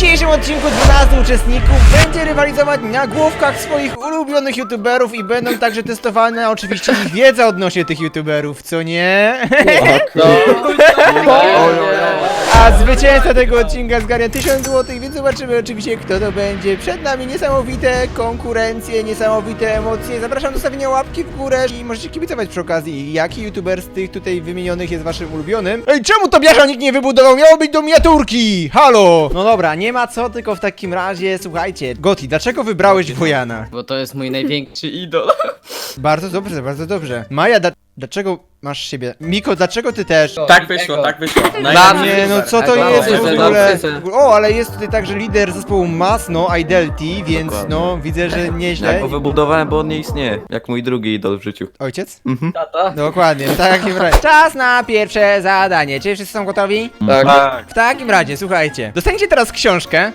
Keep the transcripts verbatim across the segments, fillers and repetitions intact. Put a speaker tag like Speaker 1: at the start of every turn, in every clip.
Speaker 1: dzisiejszym odcinku dwunastu uczestników będzie rywalizować na główkach swoich ulubionych youtuberów i będą także testowane oczywiście ich wiedza odnośnie tych youtuberów, co nie? A zwycięzca tego odcinka zgarnia tysiąc złotych, więc zobaczymy oczywiście, kto to będzie. Przed nami niesamowite konkurencje, niesamowite emocje. Zapraszam do stawienia łapki w górę i możecie kibicować przy okazji, jaki youtuber z tych tutaj wymienionych jest waszym ulubionym. Ej, czemu to biasza nikt nie wybudował? Miało być do miniaturki! Halo! No dobra, nie ma co, tylko w takim razie, słuchajcie. Goti, dlaczego wybrałeś Wojana?
Speaker 2: Bo to jest mój największy idol.
Speaker 1: Bardzo dobrze, bardzo dobrze. Maja, da dlaczego masz siebie? Miko, dlaczego ty też?
Speaker 3: Tak wyszło, tak wyszło.
Speaker 1: Dla mnie, no co to
Speaker 2: Tak,
Speaker 1: jest
Speaker 2: no,
Speaker 1: w
Speaker 2: no,
Speaker 1: ogóle?
Speaker 2: no,
Speaker 1: O, ale jest tutaj także lider zespołu Masno, Idelty, więc
Speaker 4: Dokładnie.
Speaker 1: no, widzę, że nieźle.
Speaker 4: Ja go wybudowałem, bo on nie istnieje. Jak mój drugi idol w życiu.
Speaker 1: Ojciec?
Speaker 2: Tata?
Speaker 1: Dokładnie, w takim razie. Czas na pierwsze zadanie. Czy wszyscy są gotowi?
Speaker 2: Tak.
Speaker 1: W takim razie, słuchajcie, dostaniecie teraz książkę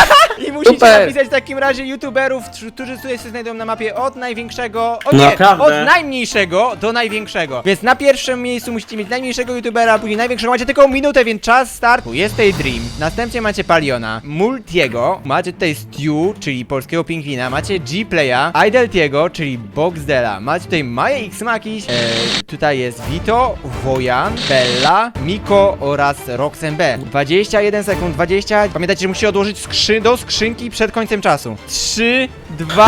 Speaker 1: i musicie
Speaker 2: Super.
Speaker 1: napisać w takim razie youtuberów, tr- którzy tutaj się znajdują na mapie od największego, o nie,
Speaker 3: Naprawdę?
Speaker 1: od najmniejszego do największego. Więc na pierwszym miejscu musicie mieć najmniejszego youtubera, a później największego. Macie tylko minutę, więc czas startu. Jest tutaj Dream, następnie macie Paliona, Multiego, macie tutaj Stew, czyli polskiego pingwina, macie G-Playa, Ideltiego, czyli Boxdela, macie tutaj Maję X Makiś, e, tutaj jest Vito, Wojan, Bella, Miko oraz Roxen B. dwadzieścia jeden sekund, dwadzieścia. Pamiętajcie, że musicie odłożyć skrzy do skrzynki przed końcem czasu. trzy, dwa,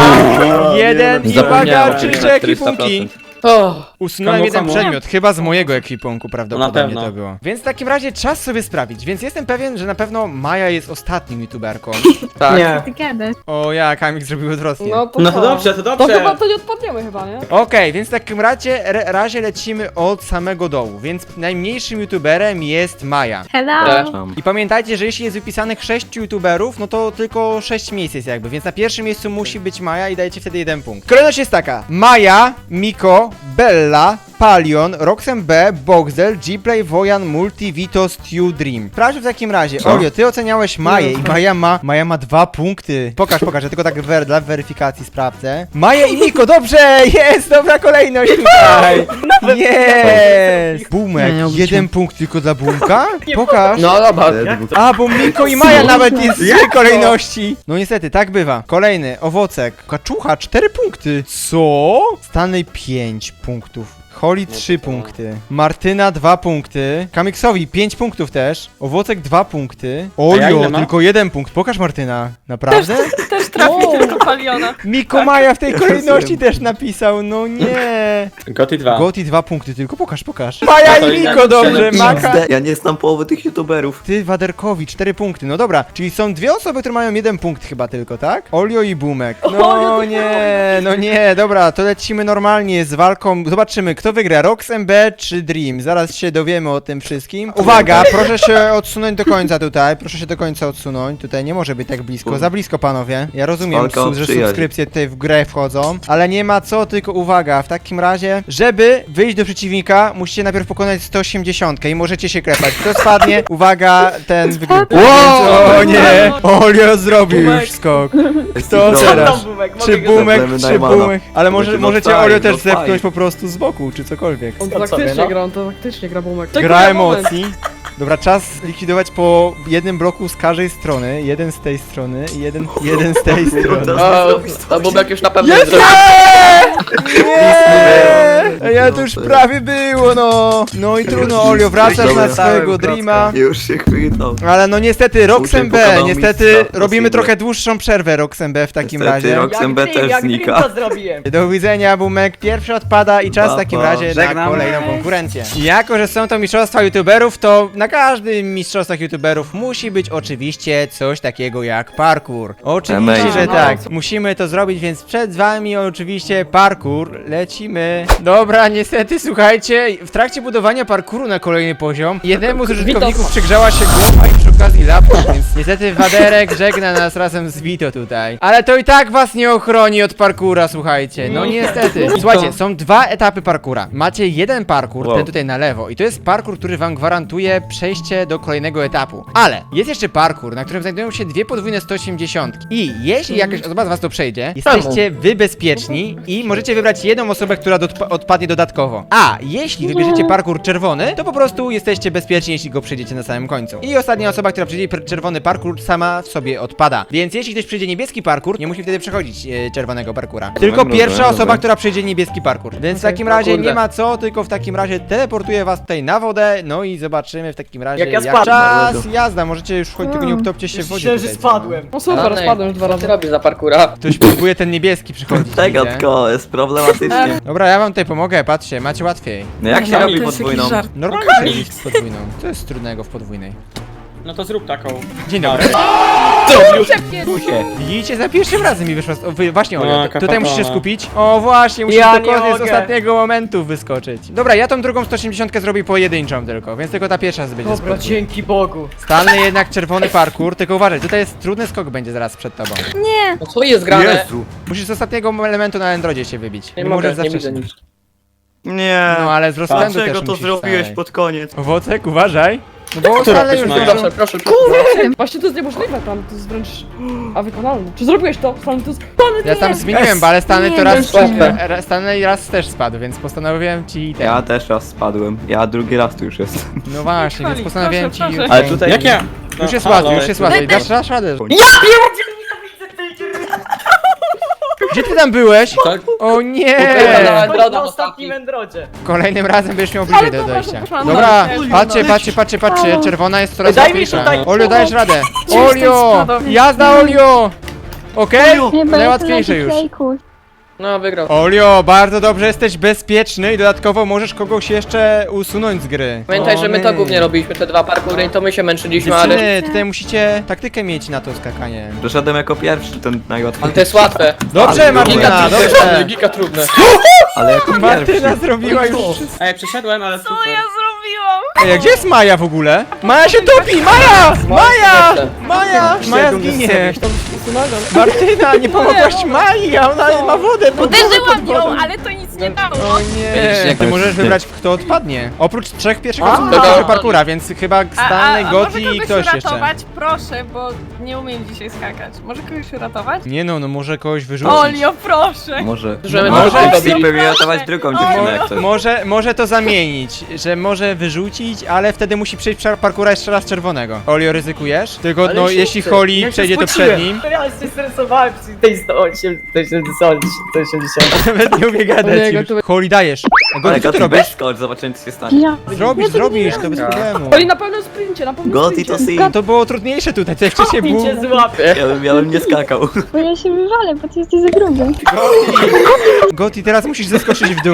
Speaker 1: jeden i uwaga,
Speaker 2: Zapomniałem.
Speaker 1: oczywiście ekwipunki.
Speaker 2: O,
Speaker 1: Usunąłem
Speaker 3: Komu,
Speaker 1: jeden
Speaker 3: komu?
Speaker 1: przedmiot, chyba z mojego ekwipunku prawdopodobnie
Speaker 3: Na pewno.
Speaker 1: to było. Więc w takim razie czas sobie sprawdzić, więc jestem pewien, że na pewno Maja jest ostatnią youtuberką.
Speaker 2: tak.
Speaker 3: Nie.
Speaker 5: Ty gadasz.
Speaker 1: O ja, Kamik zrobił odwrotnie.
Speaker 6: No to
Speaker 3: No
Speaker 6: co?
Speaker 3: to dobrze, to
Speaker 6: To
Speaker 3: dobrze.
Speaker 6: chyba to nie odpadniemy chyba, nie?
Speaker 1: Okej, więc w takim razie, re, razie lecimy od samego dołu, więc najmniejszym youtuberem jest Maja.
Speaker 5: Hello.
Speaker 4: Tam.
Speaker 1: I pamiętajcie, że jeśli jest wypisanych sześciu youtuberów, no to tylko sześć miejsc jest jakby, więc na pierwszym miejscu musi być Maja i dajecie wtedy jeden punkt. Kolejność jest taka: Maja, Miko, Bella, Palion, Roxen B, Boxdel, G-Play, Wojan, Multi, Vito, Stew, Dream. Sprawdź w takim razie,
Speaker 4: Co?
Speaker 1: Olio, ty oceniałeś Maję i Maja ma, Maja ma dwa punkty. Pokaż, pokaż, ja tylko tak wer, dla weryfikacji sprawdzę. Maja i Miko, dobrze, jest, dobra kolejność tutaj. Jest. Bumek, jeden punkt tylko dla Bumka? Pokaż.
Speaker 2: No dobra.
Speaker 1: A, bo Miko i Maja nawet jest w tej kolejności. No niestety, tak bywa. Kolejny, owocek. Kaczucha, cztery punkty. Co? Stanley pięć punktów. Holly trzy punkty. Martyna dwa punkty. Kamiksowi pięć punktów też. Owocek dwa punkty.
Speaker 3: ja
Speaker 1: Olio,
Speaker 3: ile mam?
Speaker 1: tylko jeden punkt. Pokaż Martyna. Naprawdę?
Speaker 6: Też trafi tylko paliona.
Speaker 1: Miko Maja w tej kolejności też napisał. No nie.
Speaker 3: Goty dwa.
Speaker 1: Goti dwa punkty tylko. Pokaż, pokaż. Maja
Speaker 3: to
Speaker 1: i
Speaker 3: inaczej
Speaker 1: Miko, dobrze.
Speaker 3: napisane.
Speaker 1: Maka.
Speaker 4: Ja nie znam połowy tych youtuberów.
Speaker 1: Ty, Waderkowi, cztery punkty, no dobra, czyli są dwie osoby, które mają jeden punkt chyba tylko, tak? Olio i Bumek. No nie, no nie, dobra, to lecimy normalnie z walką, zobaczymy, kto wygra, Rox M B czy Dream, zaraz się dowiemy o tym wszystkim. Uwaga, proszę się odsunąć do końca tutaj, proszę się do końca odsunąć, tutaj nie może być tak blisko, za blisko panowie, ja rozumiem,
Speaker 4: Walka o
Speaker 1: su- że
Speaker 4: przyjaźń.
Speaker 1: subskrypcje tutaj w grę wchodzą, ale nie ma co, tylko uwaga, w takim razie, żeby wyjść do przeciwnika, musicie najpierw pokonać sto osiemdziesiąt i możecie się klepać, kto spadnie, uwaga, ten wygrywa. Wow, o nie, Olio zrobił już skok. Kto teraz? Czy Bumek,
Speaker 4: Problemy
Speaker 1: czy
Speaker 4: Najmana.
Speaker 1: Bumek? Ale może,
Speaker 4: Będzie
Speaker 1: możecie
Speaker 4: no
Speaker 1: Olio
Speaker 4: fajnie,
Speaker 1: też
Speaker 4: no
Speaker 1: zepchnąć
Speaker 4: fajnie.
Speaker 1: po prostu z boku, czy cokolwiek.
Speaker 6: On
Speaker 3: To
Speaker 6: faktycznie
Speaker 3: sobie, no.
Speaker 6: gra, on to faktycznie gra bumek.
Speaker 1: Gra emocji. Dobra, czas likwidować po jednym bloku z każdej strony. Jeden z tej strony i jeden, jeden z tej strony.
Speaker 2: O, to Bubek już na pewno
Speaker 1: Jest!
Speaker 2: zrobił.
Speaker 1: Nie! Ja to już prawie było, no. No i trudno, Olio, wracasz na swojego Dreama.
Speaker 4: Już się chwytał.
Speaker 1: Ale no niestety, Roxen B,
Speaker 4: pokazał
Speaker 1: niestety
Speaker 4: mistrza
Speaker 1: robimy
Speaker 4: Rosji.
Speaker 1: trochę dłuższą przerwę Roxen B w takim
Speaker 4: Niestety,
Speaker 1: razie.
Speaker 4: Roxen B też znika.
Speaker 1: Do widzenia, Bumek. Pierwszy odpada i czas w
Speaker 4: Pa,
Speaker 1: takim
Speaker 4: pa.
Speaker 1: razie na
Speaker 3: Żegnam.
Speaker 1: kolejną konkurencję. Jako, że są to mistrzostwa youtuberów, to na każdym mistrzostwach youtuberów musi być oczywiście coś takiego jak parkour. Oczywiście,
Speaker 4: Amazing.
Speaker 1: że tak. Musimy to zrobić, więc przed wami oczywiście parkour. Lecimy. Dobra, niestety, słuchajcie, w trakcie budowania parkouru na kolejny poziom, jednemu z użytkowników przygrzała się głowa i przy okazji laptop, więc niestety Waderek żegna nas razem z Vito tutaj. Ale to i tak was nie ochroni od parkoura, słuchajcie. No niestety. Słuchajcie, są dwa etapy parkoura. Macie jeden parkour,
Speaker 4: Wow.
Speaker 1: ten tutaj na lewo, i to jest parkour, który wam gwarantuje przejście do kolejnego etapu. Ale jest jeszcze parkour, na którym znajdują się dwie podwójne sto osiemdziesiąt. I jeśli jakaś osoba z was to przejdzie, jesteście wy bezpieczni i możecie wybrać jedną osobę, która dodpa- odpadnie dodatkowo. A jeśli wybierzecie parkour czerwony, to po prostu jesteście bezpieczni, jeśli go przejdziecie na samym końcu. I ostatnia osoba, która przejdzie per- czerwony parkour, sama w sobie odpada. Więc jeśli ktoś przejdzie niebieski parkour, nie musi wtedy przechodzić e, czerwonego parkura. Tylko
Speaker 4: Dobra,
Speaker 1: pierwsza
Speaker 4: dobra.
Speaker 1: osoba, która przejdzie niebieski parkour. Więc w takim
Speaker 2: O
Speaker 1: razie
Speaker 2: kurde.
Speaker 1: nie ma co, tylko w takim razie teleportuję was tutaj na wodę, no i zobaczymy w takim razie
Speaker 3: Jak ja
Speaker 1: jak
Speaker 3: spadłem.
Speaker 1: czas jazda. Możecie już choć tylko nie utopcie się w wodzie.
Speaker 3: Myślałem, że
Speaker 1: tutaj.
Speaker 3: spadłem.
Speaker 6: No super,
Speaker 2: Danek,
Speaker 6: spadłem już dwa
Speaker 2: Co ty
Speaker 6: razy.
Speaker 2: robisz za parkura?
Speaker 1: Ktoś próbuje ten niebieski przychodzić.
Speaker 4: Tego
Speaker 1: widzę.
Speaker 4: tylko jest problematycznie.
Speaker 1: Dobra, ja wam tutaj pomogę, patrzcie, macie łatwiej.
Speaker 4: No jak się
Speaker 6: No,
Speaker 4: robi
Speaker 6: to jest
Speaker 4: podwójną?
Speaker 6: jakiś żart.
Speaker 1: Normalnie się robi z podwójną. Co jest trudnego w podwójnej?
Speaker 3: No to zrób taką.
Speaker 1: Dzień dobry.
Speaker 4: Tu się.
Speaker 1: Widzicie, za pierwszym razem mi wyszła. O, wy, właśnie, Olio,
Speaker 3: No,
Speaker 1: tu- tutaj
Speaker 3: kapatona.
Speaker 1: musisz się skupić. O, właśnie, musisz
Speaker 3: Ja
Speaker 1: do
Speaker 3: nie
Speaker 1: koniec
Speaker 3: mogę.
Speaker 1: ostatniego momentu wyskoczyć. Dobra, ja tą drugą sto osiemdziesiąt zrobię pojedynczą tylko, więc tylko ta pierwsza będzie
Speaker 3: Dobra,
Speaker 1: spokój.
Speaker 3: dzięki Bogu.
Speaker 1: Stalny jednak czerwony parkour, tylko uważaj, tutaj jest trudny skok będzie zaraz przed tobą.
Speaker 2: No co jest grane?
Speaker 4: Jezu.
Speaker 1: Musisz z ostatniego elementu na Androidzie się wybić.
Speaker 2: Nie mogę,
Speaker 1: możesz
Speaker 2: nie
Speaker 1: zawsze
Speaker 2: widzę
Speaker 1: się...
Speaker 2: nic.
Speaker 4: Nie.
Speaker 1: No ale z rozpędu
Speaker 4: Dlaczego
Speaker 1: też
Speaker 4: to
Speaker 1: musisz
Speaker 4: zrobiłeś
Speaker 1: wstać.
Speaker 4: pod koniec?
Speaker 1: Owocek, uważaj. No bo
Speaker 3: Która
Speaker 1: Stanley już
Speaker 3: też ma?
Speaker 1: zdążył.
Speaker 2: Proszę, proszę.
Speaker 6: Właśnie to jest niemożliwe tam, to jest wręcz... A wykonalne. Czy zrobiłeś to? Stan, to jest... Stan,
Speaker 1: Ja tam zmieniłem,
Speaker 4: Yes.
Speaker 1: bo ale Stanley to
Speaker 6: Nie,
Speaker 1: raz,
Speaker 2: to jest łatwe.
Speaker 1: ra- Stanley raz też spadł, więc postanowiłem ci ten.
Speaker 4: Ja też raz spadłem. Ja drugi raz tu już jestem.
Speaker 1: No właśnie, więc
Speaker 6: Chwali,
Speaker 1: postanowiłem
Speaker 6: proszę,
Speaker 1: ci.
Speaker 6: proszę.
Speaker 4: Ale tutaj...
Speaker 3: Jak ja?
Speaker 1: Już jest
Speaker 3: No, halo,
Speaker 1: łatwiej, już jest łatwiej. Dasz, dasz radę.
Speaker 4: Ja
Speaker 1: Gdzie ty tam byłeś?
Speaker 2: Tak?
Speaker 1: O nie!
Speaker 2: Ukradła-
Speaker 3: Na, na ostatnim endrodzie.
Speaker 1: Kolejnym razem będziesz miał bliżej do
Speaker 6: dobra,
Speaker 1: dojścia.
Speaker 6: przepraszam,
Speaker 1: Dobra,
Speaker 6: ale-
Speaker 1: patrzcie, patrzcie, patrzcie, patrzcie. Czerwona jest coraz
Speaker 3: Daj mi
Speaker 1: łatwiejsza.
Speaker 3: tutaj
Speaker 1: Olio, dajesz radę. Olio!
Speaker 6: spadł.
Speaker 1: Jazda, Olio! Okej?
Speaker 5: Chyba
Speaker 1: Najłatwiejsze
Speaker 5: jest
Speaker 1: już.
Speaker 5: to lejku.
Speaker 2: No, wygrał.
Speaker 1: Olio, bardzo dobrze, jesteś bezpieczny i dodatkowo możesz kogoś jeszcze usunąć z gry.
Speaker 2: Pamiętaj,
Speaker 1: O
Speaker 2: że my to
Speaker 1: nie.
Speaker 2: głównie robiliśmy, te dwa parkury i to my się męczyliśmy, ale...
Speaker 1: Dziewczyny, tutaj musicie taktykę mieć na to skakanie.
Speaker 4: Doszedłem jako pierwszy, ten
Speaker 2: Ale
Speaker 4: najłatwiejszy.
Speaker 2: to jest łatwe.
Speaker 1: Dobrze,
Speaker 4: Ale
Speaker 1: Martyna,
Speaker 2: Giga trudne,
Speaker 1: dobrze.
Speaker 2: giga trudne.
Speaker 4: Ale jako
Speaker 1: Martyna
Speaker 4: pierwszy.
Speaker 1: zrobiła już wszystko.
Speaker 3: Ej, przeszedłem, ale super.
Speaker 1: Ej, a gdzie jest Maja w ogóle? Maja się topi! Maja! Maja! Maja! Maja zginie! Martyna, nie pomogłaś Mai, a ona ma wodę pod
Speaker 7: Uderzyłam
Speaker 1: pod
Speaker 7: ją,
Speaker 1: wodą.
Speaker 7: ale to nic nie dało.
Speaker 1: O
Speaker 2: Widzisz,
Speaker 1: nie!
Speaker 2: jak
Speaker 1: Ty
Speaker 2: to
Speaker 1: możesz
Speaker 4: jest-
Speaker 1: wybrać, kto odpadnie. Oprócz trzech pierwszych
Speaker 3: A,
Speaker 1: osób
Speaker 2: dobra.
Speaker 1: do parkura, więc chyba Stanley,
Speaker 7: a, a
Speaker 1: Gotti
Speaker 7: może
Speaker 1: i
Speaker 7: kogoś
Speaker 1: ktoś jeszcze.
Speaker 7: uratować? Proszę, bo nie umiem dzisiaj skakać. Może kogoś uratować?
Speaker 1: Nie no, no może kogoś wyrzucić.
Speaker 7: Olio, proszę!
Speaker 4: Może...
Speaker 2: Że my
Speaker 1: Może-
Speaker 2: to
Speaker 4: Może
Speaker 2: robili.
Speaker 4: Zipper ratować drugą dziewczynę jak coś.
Speaker 1: Może, może to zamienić, że może wyrzucić, ale wtedy musi przejść par- parkura jeszcze raz czerwonego. Olio, ryzykujesz? Tylko
Speaker 3: Ale
Speaker 1: no,
Speaker 3: się
Speaker 1: jeśli
Speaker 3: chcę.
Speaker 1: Holly
Speaker 3: Ja się
Speaker 1: przejdzie to
Speaker 3: spociłem.
Speaker 1: przed nim,
Speaker 3: Ja się stresowałem przy tej sto osiemdziesiąt.
Speaker 1: nawet nie umie gadać
Speaker 6: Ojej,
Speaker 1: już.
Speaker 6: to-
Speaker 1: Holly, dajesz. A
Speaker 4: Ale
Speaker 1: Gotti, co ty
Speaker 4: Gotti
Speaker 1: robisz?
Speaker 4: wyskocz, zobaczymy co się stanie.
Speaker 5: Ja.
Speaker 1: Zrobisz, zrobisz, to bez problemu.
Speaker 6: Oli na pewnym sprincie, na pewnym
Speaker 4: Gotti
Speaker 6: sprincie.
Speaker 4: to sin.
Speaker 1: To było trudniejsze tutaj, to jeszcze się było...
Speaker 3: Cię złapie.
Speaker 4: Ja bym, ja bym nie skakał.
Speaker 5: Bo ja się wywalę, bo ty jesteś za gruby.
Speaker 1: Gotti, teraz musisz zeskoczyć w dół.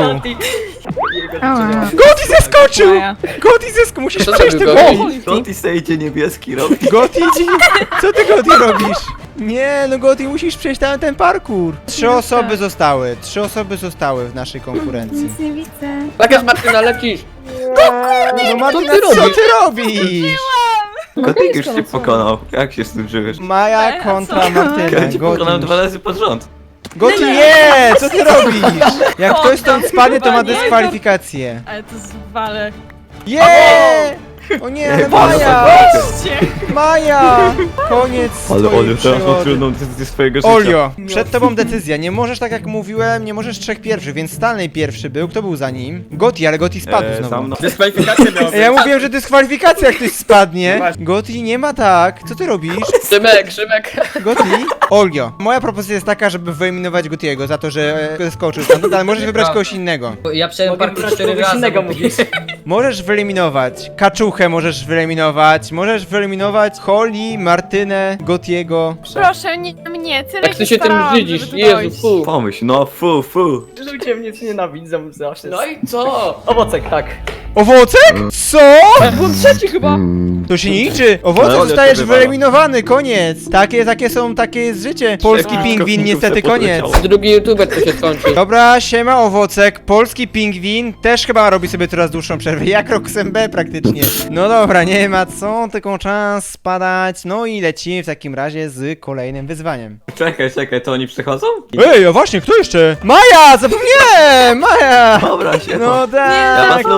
Speaker 5: Ała.
Speaker 1: Gotti zeskoczył!
Speaker 7: Maja.
Speaker 1: Gotti zeskoczył, musisz
Speaker 2: Co
Speaker 1: przejść
Speaker 2: zrobił
Speaker 1: tego...
Speaker 2: Gotti?
Speaker 4: Gotti sejdzie niebieski robi.
Speaker 1: Gotti, ci- co ty Gotti robisz? Nie, no Gotti, musisz przejść tam ten parkour. Trzy osoby zostały, trzy osoby zostały w naszej konkurencji.
Speaker 5: Nic nie widzę.
Speaker 2: Tak jest, Martyna, lecisz.
Speaker 1: No Martyna,
Speaker 2: ty
Speaker 1: co
Speaker 2: robisz?
Speaker 1: ty robisz?
Speaker 4: Gotti już cię pokonał. Jak się z tym żyjesz?
Speaker 1: Maja kontra Martyna,
Speaker 4: Ja cię pokonałem
Speaker 1: Gotti.
Speaker 4: dwa razy pod rząd.
Speaker 1: Gotti, nie! Co ty robisz? Jak ktoś stąd spadnie, to ma
Speaker 7: Chyba nie.
Speaker 1: dyskwalifikację.
Speaker 7: Ale to zwalę.
Speaker 1: Nie! O nie, ale
Speaker 4: Bardzo
Speaker 1: Maja!
Speaker 7: Cię.
Speaker 1: Maja! Koniec
Speaker 4: Ale
Speaker 1: twojej
Speaker 4: Olio, teraz ma
Speaker 1: przygody.
Speaker 4: trudną decyzję swojego życia.
Speaker 1: Olio, przed tobą decyzja. Nie możesz, tak jak mówiłem, nie możesz trzech pierwszych, więc Stanley pierwszy był. Kto był za nim? Gotti, ale Gotti spadł
Speaker 4: Eee, za
Speaker 1: znowu.
Speaker 4: mną.
Speaker 3: Dyskwalifikację miał
Speaker 1: Ej, Ja mówiłem, że dyskwalifikacja jak ktoś spadnie.
Speaker 3: Właśnie.
Speaker 1: Gotti, nie ma tak. Co ty robisz?
Speaker 2: Szymek, Szymek.
Speaker 1: Gotti? Olio, moja propozycja jest taka, żeby wyeliminować Gottiego za to, że e, skoczył stamtąd, ale możesz wybrać kogoś innego.
Speaker 8: Ja przejdę
Speaker 3: Mogę
Speaker 8: parkour
Speaker 3: brać
Speaker 8: cztery
Speaker 3: kogoś
Speaker 8: razy.
Speaker 3: innego,
Speaker 8: bo-
Speaker 3: mówisz.
Speaker 1: Możesz wyeliminować Kaczuchę, możesz wyeliminować, możesz wyeliminować Holly, Martynę, Gottiego.
Speaker 7: Proszę, nie mnie, tyle
Speaker 2: Jak ty się tym
Speaker 7: starałam,
Speaker 2: brzydzisz,
Speaker 7: żeby tu
Speaker 2: Jezu,
Speaker 7: dojść.
Speaker 2: fu.
Speaker 4: Pomyśl, no fu, fu.
Speaker 3: Ludzie mnie ci nienawidzą zawsze.
Speaker 2: No i co?
Speaker 3: Owocek, tak.
Speaker 1: Owocek? Co?
Speaker 6: Ja byłem trzeci chyba.
Speaker 1: To się nie liczy. Owocek
Speaker 4: Ale Olio
Speaker 1: zostajesz
Speaker 4: cię wywala.
Speaker 1: wyeliminowany, koniec. Takie, takie są, takie jest życie. Polski
Speaker 4: Wszystko
Speaker 1: pingwin,
Speaker 4: w
Speaker 1: niestety
Speaker 4: se
Speaker 1: koniec.
Speaker 4: podleciało.
Speaker 2: Drugi youtuber to się skończy.
Speaker 1: Dobra, siema Owocek, polski pingwin też chyba robi sobie coraz dłuższą przerwę, jak Roxem B praktycznie. No dobra, nie ma co, tylko czas spadać, no i lecimy w takim razie z kolejnym wyzwaniem.
Speaker 4: Czekaj, czekaj, to oni przychodzą?
Speaker 1: Ej, a właśnie, kto jeszcze? Maja, zapomniałem, Maja!
Speaker 4: Dobra, się.
Speaker 1: No
Speaker 4: Ja was
Speaker 1: tak.
Speaker 4: lubię, ale kogo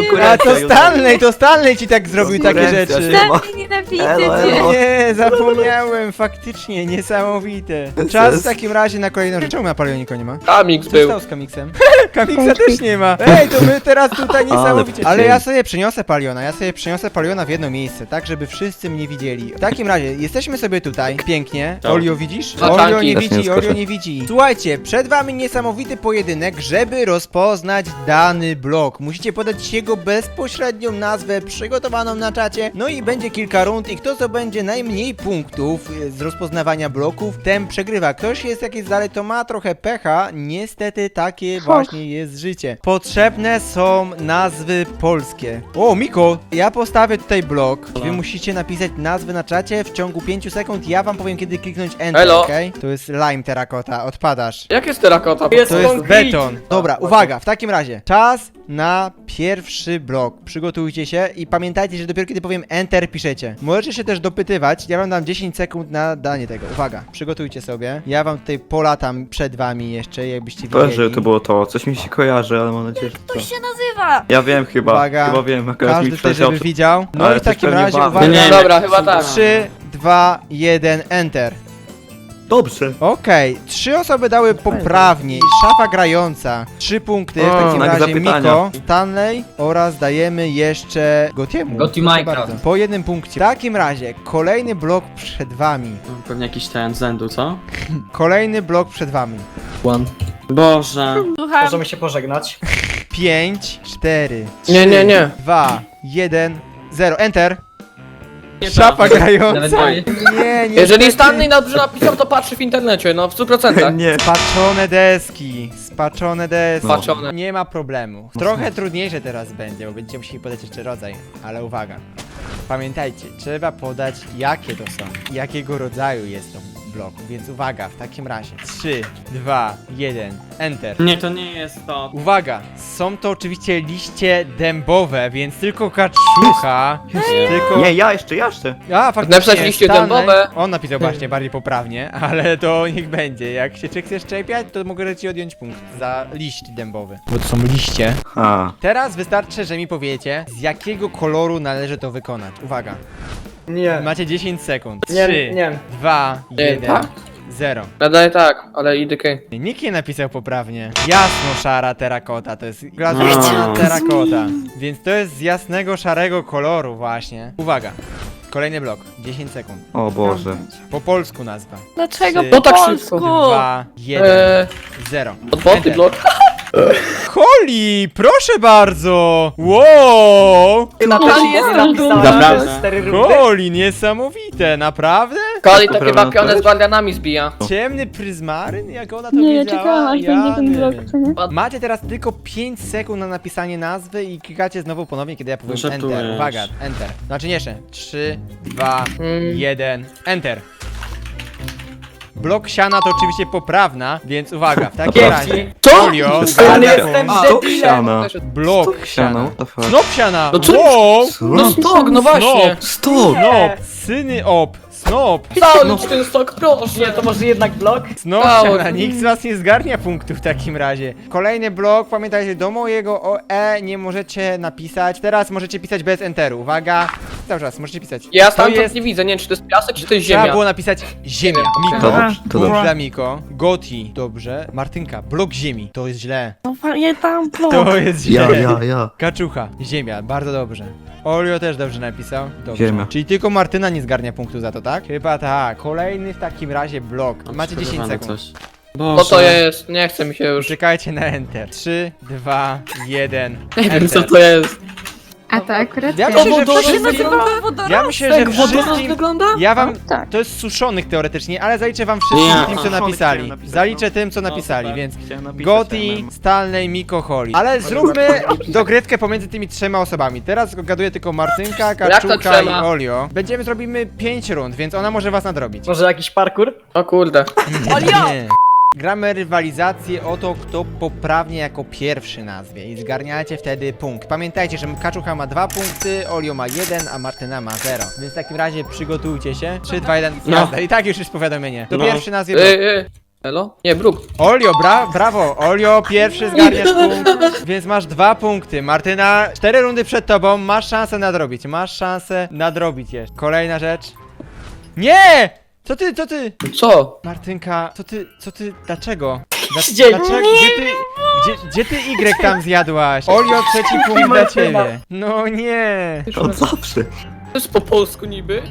Speaker 1: A to Stanley, to Stanley ci tak zrobił takie
Speaker 4: Konkurencja
Speaker 1: rzeczy.
Speaker 4: się ma.
Speaker 5: Stanley, nienawidzę
Speaker 4: Elo,
Speaker 5: cię.
Speaker 4: elo.
Speaker 1: Nie, zapomniałem, faktycznie, niesamowite. Czas w takim razie na kolejną rzecz. Czemu na Palionie nikogo nie ma?
Speaker 2: Kamix
Speaker 1: Co się
Speaker 2: był.
Speaker 1: stało z Kamiksem? Kamiksa też nie ma. Ej, to my teraz tutaj niesamowicie. Ale ja sobie przeniosę Paliona, ja sobie przeniosę Paliona w jedno miejsce, tak żeby wszyscy mnie widzieli. W takim razie, jesteśmy sobie tutaj, pięknie. Olio widzisz?
Speaker 2: Zaczanki.
Speaker 1: Olio nie
Speaker 4: Też nie
Speaker 1: widzi,
Speaker 4: skoczę.
Speaker 1: Olio nie widzi. Słuchajcie, przed wami niesamowity pojedynek, żeby rozpoznać dany blok. Musicie podać jego bezpośrednią nazwę przygotowaną na czacie. No i będzie kilka rund i kto zdobędzie najmniej punktów e, z rozpoznawania bloków, ten przegrywa. Ktoś jest jakiś dalej, to ma trochę pecha. Niestety takie właśnie jest życie. Potrzebne są nazwy polskie. O, Miko, ja postawię tutaj blok. Wy musicie napisać nazwy na czacie w ciągu pięciu sekund. Ja wam powiem, kiedy kliknąć Enter,
Speaker 2: Elo.
Speaker 1: okej? To jest lime terrakota, odpadasz.
Speaker 2: Jak jest terakota?
Speaker 3: Jest
Speaker 1: To jest
Speaker 3: concrete.
Speaker 1: beton. Dobra, uwaga, w takim razie czas na pierwszy blok. Przygotujcie się i pamiętajcie, że dopiero kiedy powiem Enter piszecie. Możecie się też dopytywać, ja wam dam dziesięć sekund na danie tego. Uwaga, przygotujcie sobie. Ja wam tutaj polatam przed wami jeszcze, jakbyście
Speaker 4: Boże,
Speaker 1: wiedzieli.
Speaker 4: to było to. Coś mi się kojarzy, ale mam nadzieję, że to.
Speaker 7: To się nazywa!
Speaker 4: Ja wiem chyba.
Speaker 1: Uwaga.
Speaker 4: Chyba wiem, akurat
Speaker 1: Każdy
Speaker 4: mi
Speaker 1: tutaj,
Speaker 4: przyleciało
Speaker 1: żeby
Speaker 4: przed-
Speaker 1: widział. No
Speaker 4: Ale
Speaker 1: i w
Speaker 4: coś
Speaker 1: takim
Speaker 4: pewnie
Speaker 1: razie,
Speaker 4: ma-
Speaker 1: uwaga.
Speaker 2: Nie, dobra, chyba tak.
Speaker 1: trzy, dwa, jeden, Enter.
Speaker 4: Dobrze.
Speaker 1: Okej, trzy osoby dały poprawnie. Szafa grająca, trzy punkty. W
Speaker 2: O,
Speaker 1: takim
Speaker 4: znak
Speaker 1: razie
Speaker 4: zapytania.
Speaker 1: Miko, Stanley oraz dajemy jeszcze Gotiemu.
Speaker 3: Goti
Speaker 1: Proszę
Speaker 3: Minecraft.
Speaker 1: bardzo. Po jednym punkcie. W takim razie kolejny blok przed wami.
Speaker 8: Pewnie jakiś ten zędu, co?
Speaker 1: Kolejny blok przed wami.
Speaker 8: Boże.
Speaker 7: Słucham.
Speaker 3: Możemy się pożegnać.
Speaker 1: pięć, cztery,
Speaker 2: Nie, nie, nie.
Speaker 1: dwa, jeden, zero. Enter.
Speaker 8: Nie
Speaker 1: Szafa
Speaker 8: prawda.
Speaker 3: Nawet
Speaker 1: grająca.
Speaker 3: nie.
Speaker 1: Nie, nie.
Speaker 2: Jeżeli Stanley dobrze napisał, to patrzy w internecie, no w stu procentach.
Speaker 4: Nie.
Speaker 1: Spaczone deski, spaczone deski.
Speaker 2: Spaczone.
Speaker 1: Nie ma problemu. Trochę trudniejsze teraz będzie, bo będziecie musieli podać jeszcze rodzaj, ale uwaga. Pamiętajcie, trzeba podać jakie to są, jakiego rodzaju jest to blok, więc uwaga, w takim razie trzy, dwa, jeden, Enter.
Speaker 8: Nie, to nie jest to.
Speaker 1: Uwaga, są to oczywiście liście dębowe, więc tylko kaczucha, tylko...
Speaker 4: Nie, ja jeszcze, ja jeszcze.
Speaker 1: A, faktycznie,
Speaker 2: Napisać liście
Speaker 1: Stanley-
Speaker 2: dębowe.
Speaker 1: On napisał właśnie bardziej poprawnie, ale to niech będzie. Jak się czy chcesz czepiać, to mogę ci odjąć punkt za liść dębowy. Bo to są liście.
Speaker 4: A.
Speaker 1: Teraz wystarczy, że mi powiecie, z jakiego koloru należy to wykonać. Uwaga,
Speaker 3: Nie.
Speaker 1: macie dziesięć sekund.
Speaker 3: Nie,
Speaker 1: trzy,
Speaker 3: nie.
Speaker 1: dwa,
Speaker 2: Nie,
Speaker 1: jeden,
Speaker 2: tak?
Speaker 1: zero.
Speaker 2: Nadaję tak, ale I D K.
Speaker 1: Nikt nie napisał poprawnie. Jasno szara terakota, to jest glazurowana
Speaker 8: No.
Speaker 1: terakota. Więc to jest z jasnego szarego koloru właśnie. Uwaga, kolejny blok, dziesięć sekund.
Speaker 4: O Boże.
Speaker 1: Po polsku nazwa.
Speaker 7: Dlaczego
Speaker 1: Trzy,
Speaker 7: po
Speaker 2: No tak
Speaker 7: polsku?
Speaker 2: szybko.
Speaker 1: dwa, jeden,
Speaker 2: Eee,
Speaker 1: zero.
Speaker 2: odboty
Speaker 1: Enter.
Speaker 2: blok.
Speaker 1: Holi, proszę bardzo! Wow!
Speaker 3: Ty na
Speaker 7: Kurde,
Speaker 3: to
Speaker 7: jest
Speaker 3: napisałem
Speaker 8: Naprawdę.
Speaker 3: cztery rundy.
Speaker 1: Holi, niesamowite, naprawdę?
Speaker 2: Kali to
Speaker 4: Poprawne
Speaker 2: chyba pionę
Speaker 4: też?
Speaker 2: z guardianami zbija.
Speaker 1: Ciemny pryzmaryn? Jak ona to
Speaker 5: Nie,
Speaker 1: wiedziała?
Speaker 5: czekałam aż będzie ten
Speaker 1: Jany.
Speaker 5: blok, co nie?
Speaker 1: Macie teraz tylko pięć sekund na napisanie nazwy i klikacie znowu ponownie, kiedy ja powiem
Speaker 8: No żartujesz.
Speaker 1: Enter. Uwaga, Enter. Znaczy nie jeszcze. trzy, dwa,
Speaker 2: Mm.
Speaker 1: jeden, Enter. Blok siana to oczywiście poprawna, więc uwaga, w takim
Speaker 3: Dzięki.
Speaker 1: razie.
Speaker 2: Co?
Speaker 1: Folio,
Speaker 3: Ale
Speaker 1: zgadza
Speaker 3: jestem
Speaker 1: punkt.
Speaker 4: Stok
Speaker 3: debilem.
Speaker 4: siana.
Speaker 1: Blok
Speaker 4: Siana,
Speaker 1: siana.
Speaker 4: what the fuck?
Speaker 1: Snop siana!
Speaker 2: No co?
Speaker 1: Wow!
Speaker 2: No stok, no właśnie.
Speaker 4: Stop!
Speaker 1: Snop! Syny op! Snop!
Speaker 2: Cały ten stok, proszę.
Speaker 3: Nie, to może jednak blok?
Speaker 1: Snop
Speaker 2: Cały.
Speaker 1: siana, nikt z was nie zgarnia punktów w takim razie. Kolejny blok, pamiętajcie, do mojego O E nie możecie napisać. Teraz możecie pisać bez enteru. Uwaga, cały czas możecie pisać.
Speaker 2: Ja
Speaker 1: To
Speaker 2: stamtąd
Speaker 1: jest-
Speaker 2: nie widzę, nie wiem czy to jest piasek, czy to jest
Speaker 1: Trzeba
Speaker 2: ziemia.
Speaker 1: było napisać ziemia.
Speaker 4: To
Speaker 1: Miko.
Speaker 4: dobrze, to
Speaker 1: Punkt
Speaker 4: dobrze.
Speaker 1: dla Miko. Goti. Dobrze. Martynka. Blok ziemi. To jest źle.
Speaker 7: No pamiętam blok.
Speaker 1: To jest źle.
Speaker 4: Ja, ja, ja.
Speaker 1: Kaczucha. Ziemia. Bardzo dobrze. Olio też dobrze napisał. Dobrze.
Speaker 4: Ziemia.
Speaker 1: Czyli tylko Martyna nie zgarnia punktu za to, tak? Chyba tak. Kolejny w takim razie blok. Macie dziesięć
Speaker 8: Przygotowane
Speaker 1: sekund.
Speaker 8: Coś.
Speaker 2: No
Speaker 8: Boże.
Speaker 2: to jest, nie chce mi się już.
Speaker 1: Czekajcie na enter. trzy, dwa, jeden.
Speaker 2: Nie wiem co
Speaker 1: Enter.
Speaker 2: to jest.
Speaker 5: A to akurat
Speaker 1: Ja
Speaker 5: ja
Speaker 1: myślę, że
Speaker 7: To się
Speaker 1: wszystkim...
Speaker 7: nazywa wodorostek.
Speaker 1: Ja myślę, że wszystkim...
Speaker 2: wygląda?
Speaker 1: Ja wam...
Speaker 5: tak.
Speaker 1: To jest suszonych teoretycznie, ale zaliczę wam wszystkim
Speaker 8: Nie.
Speaker 1: tym, co
Speaker 4: Suszonych
Speaker 1: napisali.
Speaker 4: chciałem napisać,
Speaker 1: Zaliczę
Speaker 4: no.
Speaker 1: tym, co
Speaker 8: No,
Speaker 1: napisali,
Speaker 8: super.
Speaker 1: więc...
Speaker 4: Chciałem napisać,
Speaker 1: Goti,
Speaker 4: ale-
Speaker 1: Stanley, Miko, Holly. Ale zróbmy dogrywkę pomiędzy tymi trzema osobami. Teraz gaduję tylko Martynka,
Speaker 2: to
Speaker 1: Kaczuka i
Speaker 2: trzema?
Speaker 1: Olio. Będziemy zrobimy pięć rund, więc ona może was nadrobić.
Speaker 3: Może jakiś parkour?
Speaker 2: O kurde.
Speaker 7: Olio!
Speaker 1: Nie. Gramy rywalizację o to, kto poprawnie jako pierwszy nazwie i zgarniacie wtedy punkt. Pamiętajcie, że Kaczucha ma dwa punkty, Olio ma jeden, a Martyna ma zero. Więc w takim razie przygotujcie się. trzy, dwa, jeden,
Speaker 8: No.
Speaker 1: jazda. I tak już jest powiadomienie. To
Speaker 8: No.
Speaker 1: pierwszy nazwie
Speaker 2: Yy,
Speaker 1: blok.
Speaker 2: yy. Elo? Nie, Bruk.
Speaker 1: Olio, bra brawo! Olio, pierwszy zgarniasz punkt, więc masz dwa punkty. Martyna, cztery rundy przed tobą, masz szansę nadrobić, masz szansę nadrobić jeszcze. Kolejna rzecz. Nie! Co ty, co ty?
Speaker 2: Co?
Speaker 1: Martynka, co ty, co ty, dlaczego? Dla,
Speaker 3: Gdzie?
Speaker 1: dlaczego, gdzie ty, gdzie, gdzie ty Y tam zjadłaś? Olio, trzeci punkt dla ciebie. No nie.
Speaker 4: Od zawsze.
Speaker 2: To jest po polsku niby?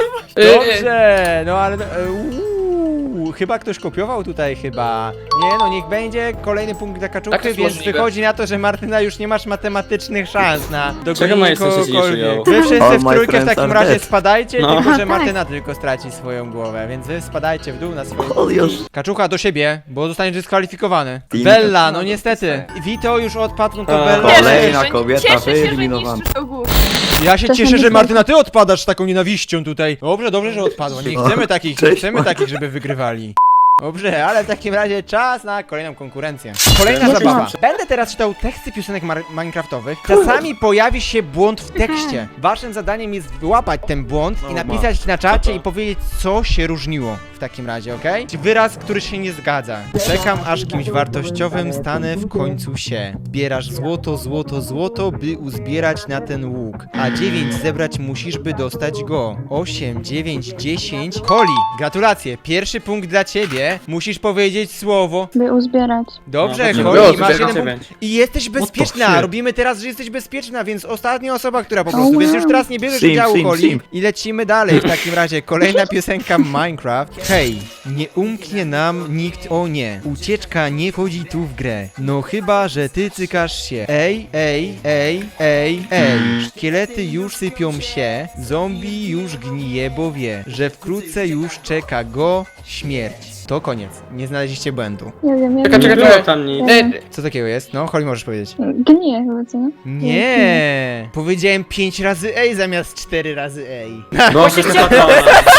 Speaker 1: Dobrze, no ale... e, uuu, chyba ktoś kopiował tutaj chyba. Nie no, niech będzie kolejny punkt dla
Speaker 2: Tak
Speaker 1: kaczuchy,
Speaker 2: jest
Speaker 1: więc
Speaker 2: możliwe.
Speaker 1: wychodzi na to, że Martyna już nie masz matematycznych szans na
Speaker 8: Czego
Speaker 1: dogonienie
Speaker 8: moje sensy się nie
Speaker 1: kogokolwiek.
Speaker 8: przyjął?
Speaker 1: Wy wszyscy
Speaker 4: All
Speaker 1: w
Speaker 4: my
Speaker 1: trójkę w
Speaker 4: friends
Speaker 1: takim
Speaker 4: are
Speaker 1: razie
Speaker 4: dead.
Speaker 1: spadajcie,
Speaker 8: No.
Speaker 1: tylko że
Speaker 5: Aha, tak.
Speaker 1: Martyna tylko straci swoją głowę, więc wy spadajcie w dół na swoją...
Speaker 4: Olios.
Speaker 1: Kaczucha do siebie, bo zostaniesz dyskwalifikowany.
Speaker 4: Team.
Speaker 1: Bella, no niestety. Vito już odpadł, no to
Speaker 8: A,
Speaker 1: Bella...
Speaker 7: Cieszę
Speaker 4: Kolejna
Speaker 7: się, że-
Speaker 4: kobieta
Speaker 7: cieszę się, że
Speaker 4: wyeliminowana.
Speaker 7: niszczysz to górę.
Speaker 1: Ja się
Speaker 5: To
Speaker 1: cieszę,
Speaker 5: są
Speaker 1: że
Speaker 5: nie
Speaker 1: Martyna, ty odpadasz z taką nienawiścią tutaj. Dobrze, dobrze, że odpadła. Nie chcemy takich, nie
Speaker 4: Cześć,
Speaker 1: chcemy
Speaker 4: Marta.
Speaker 1: takich, żeby wygrywali. Dobrze, ale w takim razie czas na kolejną konkurencję. Kolejna
Speaker 5: Cześć,
Speaker 1: zabawa.
Speaker 5: Marta.
Speaker 1: Będę teraz czytał teksty piosenek mar- minecraftowych. Czasami pojawi się błąd w tekście. Waszym zadaniem jest wyłapać ten błąd i napisać na czacie i powiedzieć, co się różniło w takim razie, okej? Wyraz, który się nie zgadza. Czekam, aż kimś wartościowym stanę w końcu się. Zbierasz złoto, złoto, złoto, by uzbierać na ten łuk. A dziewięć zebrać musisz, by dostać go. osiem, dziewięć, dziesięć. Koli, gratulacje. Pierwszy punkt dla ciebie. Musisz powiedzieć słowo.
Speaker 5: By uzbierać.
Speaker 1: Dobrze,
Speaker 8: No,
Speaker 1: Koli,
Speaker 2: dobrze,
Speaker 1: masz
Speaker 2: dziewięć,
Speaker 1: jeden punkt. I jesteś bezpieczna.
Speaker 4: shit?
Speaker 1: Robimy teraz, że jesteś bezpieczna, więc ostatnia osoba, która po prostu.
Speaker 5: wow.
Speaker 1: Więc już teraz nie bierzesz
Speaker 4: Sim,
Speaker 1: udziału,
Speaker 4: sim,
Speaker 1: Koli.
Speaker 4: sim.
Speaker 1: I lecimy dalej. W takim razie kolejna piosenka Minecraft. Hej, nie umknie nam nikt, o nie. Ucieczka nie wchodzi tu w grę. No chyba, że ty cykasz się. Ej, ej, ej, ej, ej. Szkielety już sypią się. Zombie już gnije, bo wie, że wkrótce już czeka go śmierć. To koniec. Nie znaleźliście błędu.
Speaker 5: Nie wiem, ja
Speaker 2: Czekaj,
Speaker 8: Nie
Speaker 2: czekaj,
Speaker 8: było
Speaker 2: czekaj.
Speaker 8: tam nic.
Speaker 2: E,
Speaker 1: Co takiego jest? No, Holly, możesz powiedzieć.
Speaker 5: Gniję chyba, co nie?
Speaker 1: Nie, powiedziałem pięć razy ej zamiast cztery razy ej.
Speaker 8: Boże, spokojnie.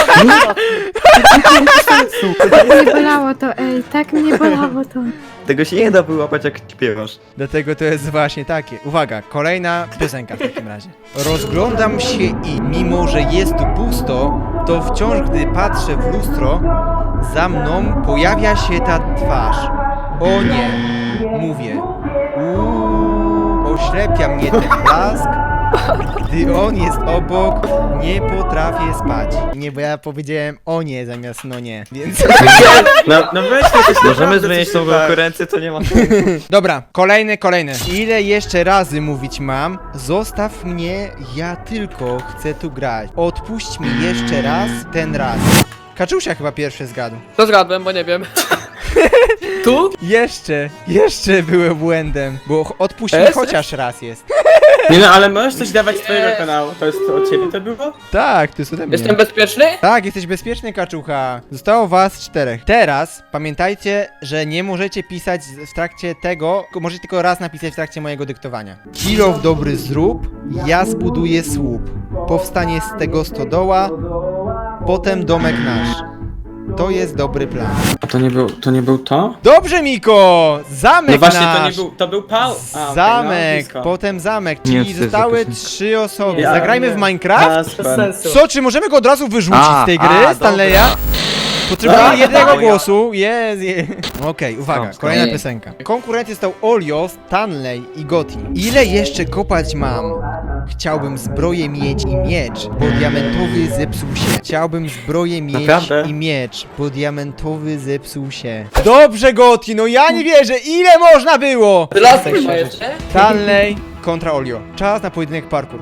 Speaker 5: Tak mnie bolało to, ej, tak mnie bolało to.
Speaker 4: Tego się nie da wyłapać jak śpiewasz.
Speaker 1: Dlatego to jest właśnie takie. Uwaga, kolejna piosenka w takim razie. Rozglądam się i mimo, że jest tu pusto, to wciąż gdy patrzę w lustro, za mną pojawia się ta twarz. O nie, mówię. Uuu, oślepia mnie ten blask. Gdy on jest obok, nie potrafię spać. Nie, bo ja powiedziałem o nie zamiast no nie, więc...
Speaker 8: No, no weź to coś
Speaker 4: Możemy
Speaker 8: naprawdę
Speaker 4: zmienić
Speaker 8: coś
Speaker 4: tą
Speaker 8: tak.
Speaker 4: konkurencję, to nie ma
Speaker 1: Dobra, kolejny, kolejny. Ile jeszcze razy mówić mam? Zostaw mnie, ja tylko chcę tu grać. Odpuść mi jeszcze raz, ten raz. Kaczusia chyba pierwszy zgadł.
Speaker 2: to zgadłem, bo nie wiem. Tu?
Speaker 1: Jeszcze, jeszcze byłem błędem, bo ch- odpuść mi
Speaker 2: Es?
Speaker 1: chociaż raz jest.
Speaker 8: Nie no, ale możesz coś dawać z twojego kanału. To jest od ciebie to było?
Speaker 1: Tak, to jest ode mnie.
Speaker 2: Jestem bezpieczny?
Speaker 1: Tak, jesteś bezpieczny, Kaczucha. Zostało was czterech. Teraz pamiętajcie, że nie możecie pisać z- w trakcie tego, tylko możecie tylko raz napisać w trakcie mojego dyktowania. Kilof dobry zrób, ja zbuduję słup. Powstanie z tego stodoła, potem domek nasz. To jest dobry plan.
Speaker 8: A to nie był, to nie był to?
Speaker 1: Dobrze, Miko! Zamek
Speaker 8: No właśnie,
Speaker 1: nasz!
Speaker 8: to nie był, to był Paul. A, okej,
Speaker 1: Zamek,
Speaker 8: no, blisko.
Speaker 1: potem zamek,
Speaker 4: Nie,
Speaker 1: czyli
Speaker 4: to jest
Speaker 1: zostały
Speaker 4: jakoś-
Speaker 1: trzy osoby.
Speaker 8: Ja-
Speaker 1: Zagrajmy w
Speaker 8: A,
Speaker 1: Minecraft?
Speaker 8: super.
Speaker 3: Bez sensu.
Speaker 1: Co, czy możemy go od razu wyrzucić
Speaker 4: A,
Speaker 1: z tej
Speaker 4: a,
Speaker 1: gry,
Speaker 4: dobra.
Speaker 1: Stanleya? Potrzebuję
Speaker 8: A,
Speaker 1: jednego
Speaker 4: dobra.
Speaker 1: głosu. Jest, jest. Okej, uwaga,
Speaker 4: Stop, stop.
Speaker 1: kolejna
Speaker 2: Nie.
Speaker 1: piosenka. Konkurencją stał Olio, Stanley i Gotti. Ile jeszcze kopać mam? Chciałbym zbroję mieć i miecz, bo diamentowy zepsuł się. Chciałbym zbroję mieć
Speaker 8: Naprawdę?
Speaker 1: i miecz, bo diamentowy zepsuł się. Dobrze, Gotti, no ja nie wierzę, ile można było?
Speaker 2: Lasek ma jeszcze?
Speaker 1: Stanley kontra Olio. Czas na pojedynek parkour.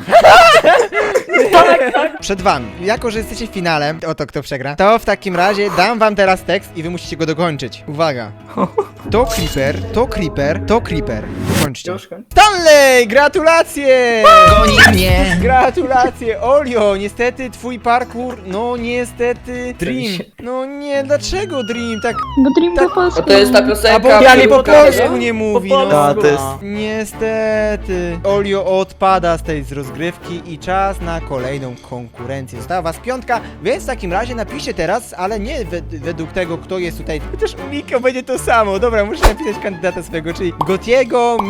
Speaker 1: Przed wami. Jako, że jesteście w finale, oto kto przegra, to w takim razie dam wam teraz tekst i wy musicie go dokończyć. Uwaga. To Creeper, to Creeper, to Creeper. Dokończcie.
Speaker 3: Już kończę.
Speaker 1: Stanley, gratulacje! Goni mnie! Gratulacje, Olio, niestety twój parkour, no niestety, Dream. No nie, dlaczego Dream? Tak,
Speaker 5: Bo Dream po polsku.
Speaker 2: Bo to jest ta
Speaker 1: a bo
Speaker 2: piosenka.
Speaker 1: ja nie po
Speaker 2: Piłka,
Speaker 1: polsku
Speaker 2: no?
Speaker 1: nie mówi, no.
Speaker 4: Ta, to jest...
Speaker 1: Niestety, Olio odpada z tej z rozgrywki i czas na kolejną konkurencję. Została was piątka, więc w takim razie napiszcie teraz, ale nie wed według tego, kto jest tutaj. Chociaż u Miko będzie to samo. Dobra, muszę napisać kandydata swojego, czyli Gotiego, Miko